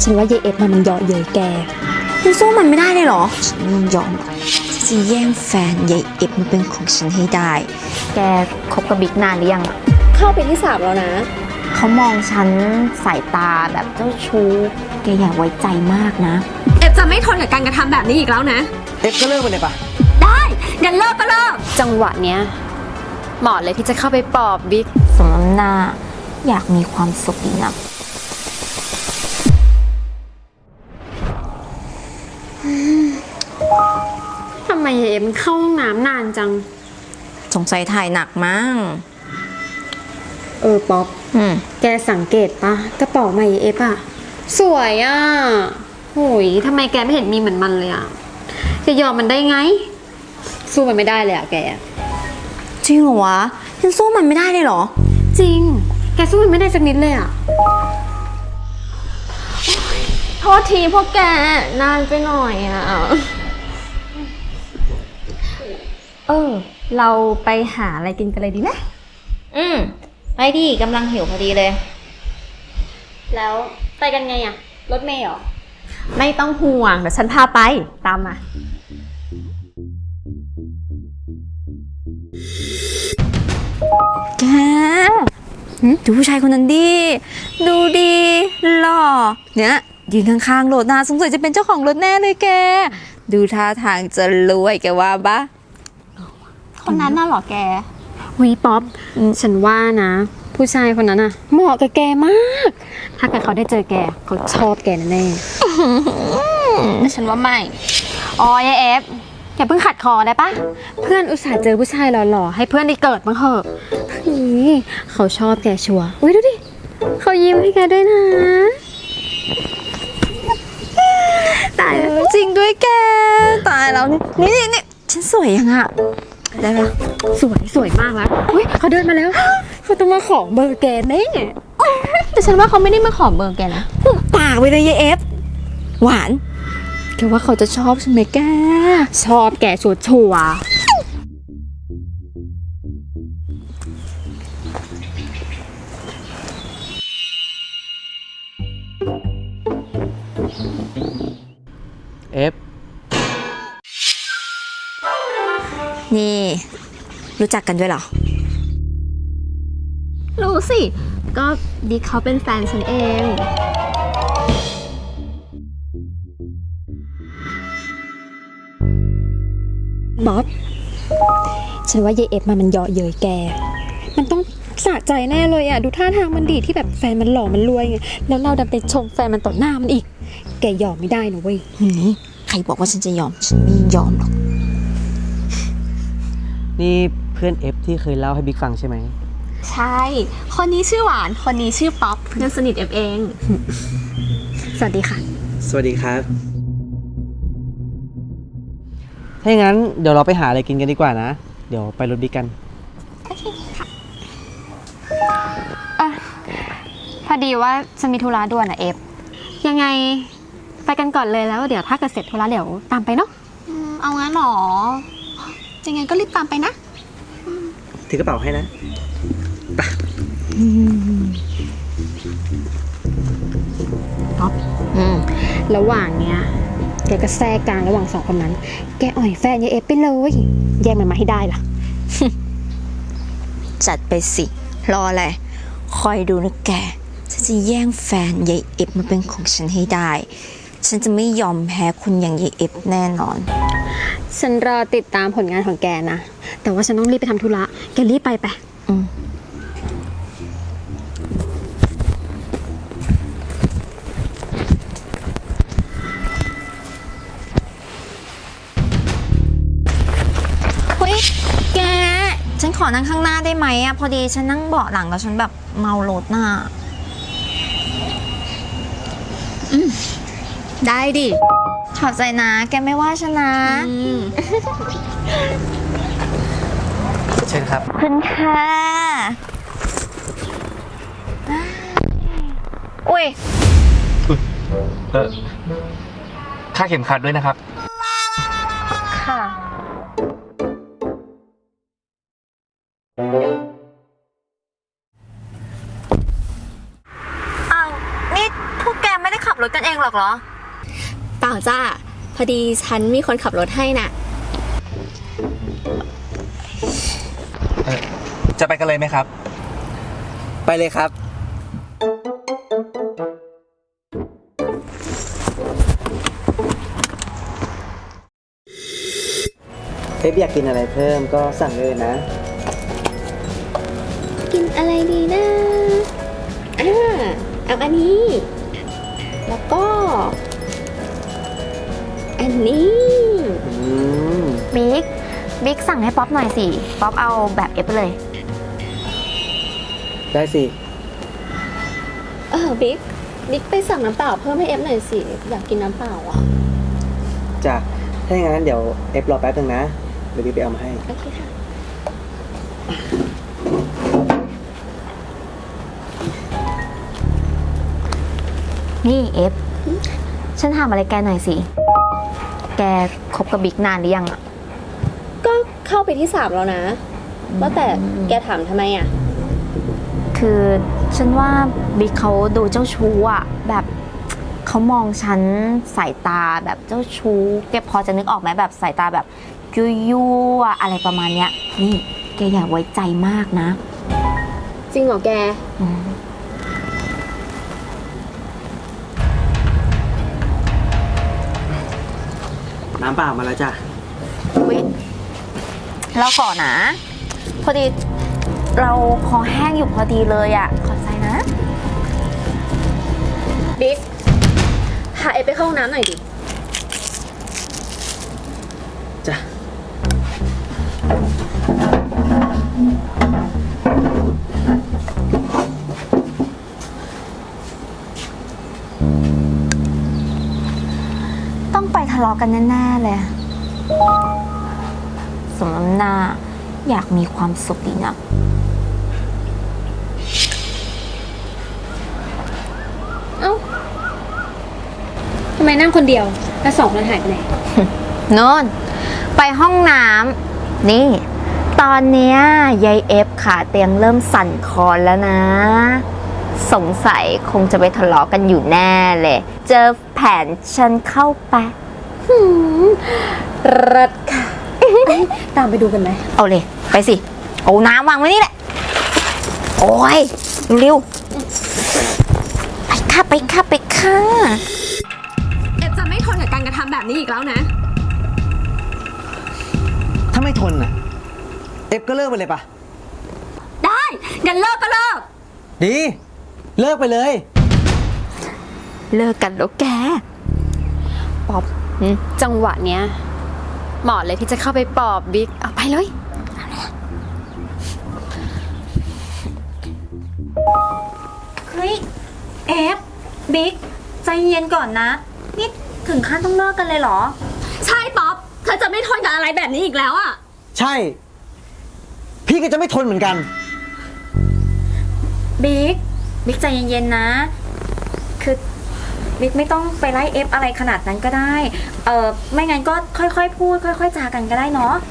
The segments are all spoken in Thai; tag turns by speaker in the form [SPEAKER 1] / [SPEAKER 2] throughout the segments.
[SPEAKER 1] ฉันว่ายายเอฟมันเยาะเย้ยแก
[SPEAKER 2] คุณสู้มันไม่ได้เลยเหรอฉันไม่ยอมจะแย่งแฟนยายเอฟมาเป็นของฉันให้ได้แกคบกับบิ๊กนานหรือยัง
[SPEAKER 1] เข้าไปที่3แล้วนะ
[SPEAKER 2] เขามองฉันสายตาแบบเจ้าชู้แกอย่าไว้ใจมากนะ
[SPEAKER 1] เอฟจะไม่ทนกับการกระทำแบบนี้อีกแล้วนะ
[SPEAKER 3] เอฟก็เลิกไปเลยปะ
[SPEAKER 1] ได้งั้นเลิกก็เลิกจังหวะเนี้ยเหมาะเลยที่จะเข้าไปปลอบบิ๊ก
[SPEAKER 2] สมน้ำหน้าอยากมีความสุขดีนะ
[SPEAKER 1] ทำไมเอ็มเข้าห้องน้ำนานจัง
[SPEAKER 2] สงสัยถ่ายหนักมั้ง
[SPEAKER 1] ป๊อปแกสังเกตปะกระเป๋าใหม่เอฟอะสวยอะโหยทำไมแกไม่เห็นมีเหมือนมันเลยอะจะยอมมันได้ไงสู้มันไม่ได้เลยอะแก
[SPEAKER 2] จริงเหรอวะฉันสู้มันไม่ได้เลยเหรอ
[SPEAKER 1] จริงแกสู้มันไม่ได้สักนิดเลยอะโทษทีพวกแกนานไปหน่อยอะเราไปหาอะไรกินกันเลยดีไหม
[SPEAKER 2] ไปดิกำลังหิวพอดีเลย
[SPEAKER 1] แล้วไปกันไงอะรถเมล์เหรอไม่ต้องห่วงเดี๋ยวฉันพาไปตามมา
[SPEAKER 2] แกดูผู้ชายคนนั้นดิดูดีหล่อเนี่ยยืนข้างๆรถนะสงสัยจะเป็นเจ้าของรถแน่เลยแกดูท่าทางจะรวยแกว่าปะ
[SPEAKER 1] คนนั้นน่ะหรอแกวีป๊อปฉันว่านะผู้ชายคนนั้นน่ะเหมาะกับแกมากถ้าเกิดเขาได้เจอแกเขาชอบแกแน่แต่ฉันว่าไม่ยายเอฟอย่าเพิ่งขัดคอได้ปะเพื่อนอุตส่าห์เจอผู้ชายหล่อๆให้เพื่อนได้เกิดบ้างเถอะนี่เขาชอบแกชัวร์อุ้ยดูดิเขายิ้มให้แกด้วยนะ
[SPEAKER 2] ตายแล้วจริงด้วยแกตายแล้วนี่ฉันสวยยังอะได้ปะ
[SPEAKER 1] สวยมากแล้วอุ้ยเขาเดินมาแล้วเขาต้องมาขอเบอร์แกแน่แต่ฉันว่าเขาไม่ได้มาขอเบอร์แกนะ
[SPEAKER 2] ปากไปเลยยายเอฟหวานแกว่าเขาจะชอบใช่ไหมแก
[SPEAKER 1] ชอบแกชัวร์
[SPEAKER 3] เอฟ
[SPEAKER 2] นี่รู้จักกันด้วยเหรอ
[SPEAKER 1] รู้สิก็บิ๊กเขาเป็นแฟนฉันเองบ๊อบฉันว่ายายเอฟมันเยาะเย้ยแกมันต้องสะใจแน่เลยอ่ะดูท่าทางมันดีที่แบบแฟนมันหล่อมันรวยไงแล้วเราดันไปชมแฟนมันต่อหน้ามันอีกแกยอมไม่ได้นะเว้ย
[SPEAKER 2] ใครบอกว่าฉันจะยอมฉันไม่ยอมหรอก
[SPEAKER 3] นี่เพื่อนเอฟที่เคยเล่าให้บิ๊กฟังใช่ไหม
[SPEAKER 1] ใช่คนนี้ชื่อหวานคนนี้ชื่อป๊อปเพื่อนสนิทเอฟเองสวัสดีค่ะ
[SPEAKER 3] สวัสดีครับถ้าอย่างนั้นเดี๋ยวเราไปหาอะไรกินกันดีกว่านะเดี๋ยวไปรถบิ๊กกัน
[SPEAKER 1] โอเคค่ะพอดีว่าฉันมีธุระด่วนอะเอฟยังไงไปกันก่อนเลยแล้วเดี๋ยวถ้าเกิดเสร็จธุระเดี๋ยวตามไปเนาะเอางั้นหรอยังไงก็รีบตามไปนะ
[SPEAKER 3] ถือกระเป๋าให้นะไป
[SPEAKER 1] ป๊อประหว่างเนี้ยแกก็แทรกกลางระหว่าง2คนนั้นแกอ่อยแฟนยายเอฟไปเลยแย่งมันมาให้ได้ล่ะ
[SPEAKER 2] จัดไปสิรออะไรคอยดูนะแกฉันจะแย่งแฟนยายเอฟมาเป็นของฉันให้ได้ฉันจะไม่ยอมแพ้คุณอย่างยายเอฟแน่นอน
[SPEAKER 1] ฉันรอติดตามผลงานของแกนะแต่ว่าฉันต้องรีบไปทำธุระแกรีบไป
[SPEAKER 2] เฮ้ยแกฉันขอนั่งข้างหน้าได้ไหมอะพอดีฉันนั่งเบาะหลังแล้วฉันแบบเมารถน่ะ
[SPEAKER 1] ได้ดิ
[SPEAKER 2] ขอบใจนะแกไม่ว่าฉันนะ
[SPEAKER 3] เชิญครับ
[SPEAKER 2] คุณค่ะอุ้ย
[SPEAKER 3] ค่าเข็มขัดด้วยนะครับ
[SPEAKER 2] ค่ะอ้าวนี่พวกแกไม่ได้ขับรถกันเองหรอกเหรอ
[SPEAKER 1] เปล่าจ้าพอดีฉันมีคนขับรถให้น่ะ
[SPEAKER 4] จะไปกันเลยไหมครับ
[SPEAKER 3] ไปเลยครับ เอฟอยากกินอะไรเพิ่มก็สั่งเลยนะ
[SPEAKER 1] กินอะไรดีนะเอาอันนี้ แล้วก็ อันนี้
[SPEAKER 2] บิ๊กสั่งให้ป๊อปหน่อยสิ ป๊อปเอาแบบเอฟไปเลย
[SPEAKER 3] ได้สิ
[SPEAKER 1] บิ๊กไปสั่งน้ำเปล่าเพิ่มให้เอฟหน่อยสิ อยากกินน้ำเปล่าอ่ะ
[SPEAKER 3] จ้ะ ถ้าอย่างนั้นเดี๋ยวเอฟรอแป๊บนึงนะ เดี๋ยวพี่ไปเอามาให้
[SPEAKER 1] โอเคค่ะ
[SPEAKER 2] นี่เอฟ ฉันถามอะไรแกหน่อยสิ แกคบกับบิ๊กนานหรือยังอะ
[SPEAKER 1] ก็เข้าไปที่ 3 แล้วนะว่าแต่แกถามทำไมอ่ะ
[SPEAKER 2] คือฉันว่าบิ๊กเขาดูเจ้าชู้อะแบบเขามองฉันสายตาแบบเจ้าชู้ แกพอจะนึกออกไหมแบบสายตาแบบยั่วๆอะไรประมาณเนี้ย นี่แกอย่าไว้ใจมากนะ
[SPEAKER 1] จริงเหรอแก
[SPEAKER 2] อืม
[SPEAKER 3] น้ำเปล่ามาแล้วจ้ะ
[SPEAKER 2] อุ๊ยเราขอนะ พอดีเราคอแห้งอยู่พอดีเลยอะขอใจนะ
[SPEAKER 1] บิ๊กพาเอฟไปเข้าห้องน้ำหน่อยดิ
[SPEAKER 3] จ้ะ
[SPEAKER 2] ต้องไปทะเลาะกันแน่ๆเลย สมน้ำหน้าอยากมีความสุขดีนะ
[SPEAKER 1] เอ้าทำไมนั่งคนเดียว แล้ว2คนหายไปไหน
[SPEAKER 2] โน่นไปห้องน้ำนี่ ตอนเนี้ยยายเอฟขาเตียงเริ่มสั่นคลอนแล้วนะ สงสัยคงจะไปทะเลาะกันอยู่แน่เลย เจอแผนฉันเข้าไป
[SPEAKER 1] รัดค่ะ ตามไปดูกันไหม
[SPEAKER 2] เอาเลย ไปสิ เอาน้ำวางไว้นี่แหละ โอ้ยเร็วๆไปค่ะ ไปค่ะ ไปค่ะ
[SPEAKER 1] เอฟจะไม่ทนกับการกระทำแบบนี้อีกแล้วนะ
[SPEAKER 3] ถ้าไม่ทนน่ะ เอฟก็เลิกไปเลยปะ
[SPEAKER 1] ได้งั้นเลิกก็เลิก
[SPEAKER 3] ดี เลิกไปเลย
[SPEAKER 2] เลิกกันแล้วแก
[SPEAKER 1] ป๊อปจังหวะเนี้ยเหมาะเลยที่จะเข้าไปปลอบบิ๊ก เอาไปเลย
[SPEAKER 2] เฮ้ย เอฟ บิ๊ก ใจเย็นก่อนนะ นี่ถึงขั้นต้องเลิกกันเลยเหรอ
[SPEAKER 1] ใช่ป๊อป เธอจะไม่ทนกับอะไรแบบนี้อีกแล้วอ่ะ
[SPEAKER 3] ใช่ พี่ก็จะไม่ทนเหมือนกัน
[SPEAKER 2] บิ๊ก บิ๊กใจเย็นๆนะ คือบิ๊กไม่ต้องไปไล่เอฟอะไรขนาดนั้นก็ได้ ไม่งั้นก็ค่อยๆพูด ค่อยๆจากันก็ได้เนาะ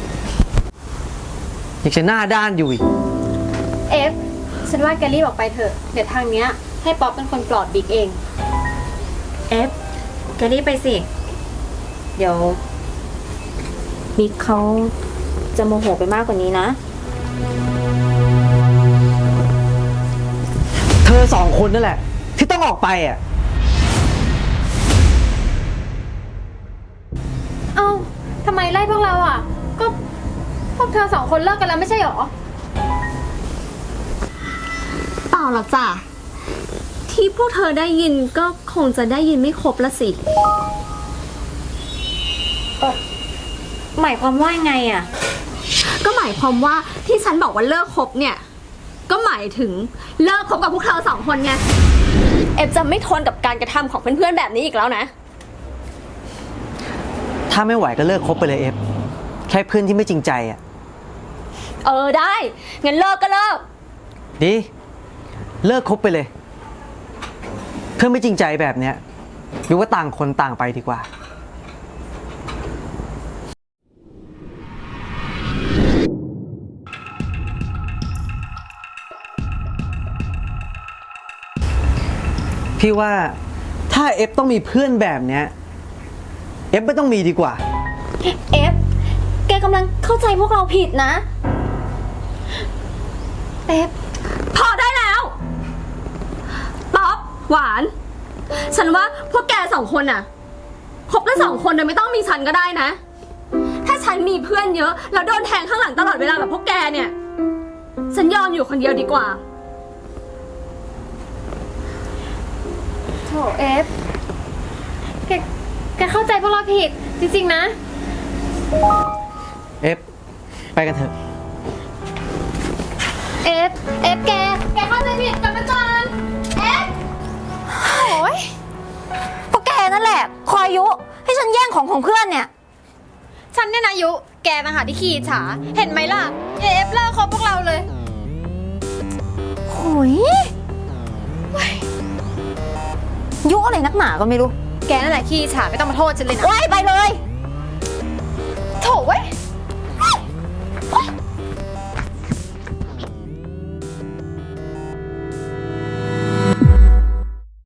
[SPEAKER 3] อยากจะหน้าด้านอยู่อีก
[SPEAKER 1] เอฟ ฉันว่าแกรีบออกไปเถอะ เดี๋ยวทางเนี้ยให้ป๊อปเป็นคนปลอบบิ๊กเอง
[SPEAKER 2] เอฟ แกรีบไปสิ เดี๋ยวบิ๊กเขาจะโมโหไปมากกว่านี้นะ
[SPEAKER 3] เธอสองคนนั่นแหละ ที่ต้องออกไปอ่ะ
[SPEAKER 1] เอ้าทำไมไล่พวกเราอ่ะ ก็พวกเธอ2 คนเลิกกันแล้วไม่ใช่หรอ เปล่าหรอกจ้ะ ที่พวกเธอได้ยินก็คงจะได้ยินไม่ครบละสิ
[SPEAKER 2] หมายความว่าไงอ่ะ
[SPEAKER 1] ก็หมายความว่าที่ฉันบอกว่าเลิกคบเนี่ย ก็หมายถึงเลิกคบกับพวกเธอ2 คนไง เอฟจะไม่ทนกับการกระทำของเพื่อนๆแบบนี้อีกแล้วนะ
[SPEAKER 3] ถ้าไม่ไหวก็เลิกคบไปเลยเอฟ แค่เพื่อนที่ไม่จริงใจอ่ะ
[SPEAKER 1] ได้ งั้นเลิกก็เลิก
[SPEAKER 3] ดี เลิกคบไปเลย เพื่อนไม่จริงใจแบบเนี้ยหรือว่าต่างคนต่างไปดีกว่า พี่ว่าถ้าถ้าเอฟต้องมีเพื่อนแบบเนี้ยเอฟไม่ต้องมีดีกว่า
[SPEAKER 2] เอฟ แกกำลังเข้าใจพวกเราผิดนะ เอฟ
[SPEAKER 1] พอได้แล้ว ป๊อป หวาน ฉันว่าพวกแกสองคนน่ะคบกันสองคนโดยไม่ต้องมีฉันก็ได้นะ ถ้าฉันมีเพื่อนเยอะ แล้วโดนแทงข้างหลังตลอดเวลาแบบพวกแกเนี่ย ฉันยอมอยู่คนเดียวดีกว่า
[SPEAKER 4] โถเอฟ แกเข้าใจพวกเราผิด จริงๆนะ
[SPEAKER 3] เอฟ ไปกันเถอะ
[SPEAKER 4] เอฟ แกเข้าใจผิดกันมาก่อนเอฟ
[SPEAKER 2] โอ้ยก็แกนั่นแหละ คอยยุ ให้ฉันแย่งของเพื่อนเนี่ย
[SPEAKER 4] ฉันเนี่ยนะยุ แกนะหาที่ขี้ฉา เห็นไหมล่ะ เอฟเลิกคบพวกเราเลย
[SPEAKER 2] โอ้ยยุอะไรนักหนาก็ไม่รู้
[SPEAKER 4] แกนั่นแหละขี้ฉาไม่ต้องมาโทษฉันเลยนะ
[SPEAKER 2] ไว้ไปเลย
[SPEAKER 4] โถเว้ย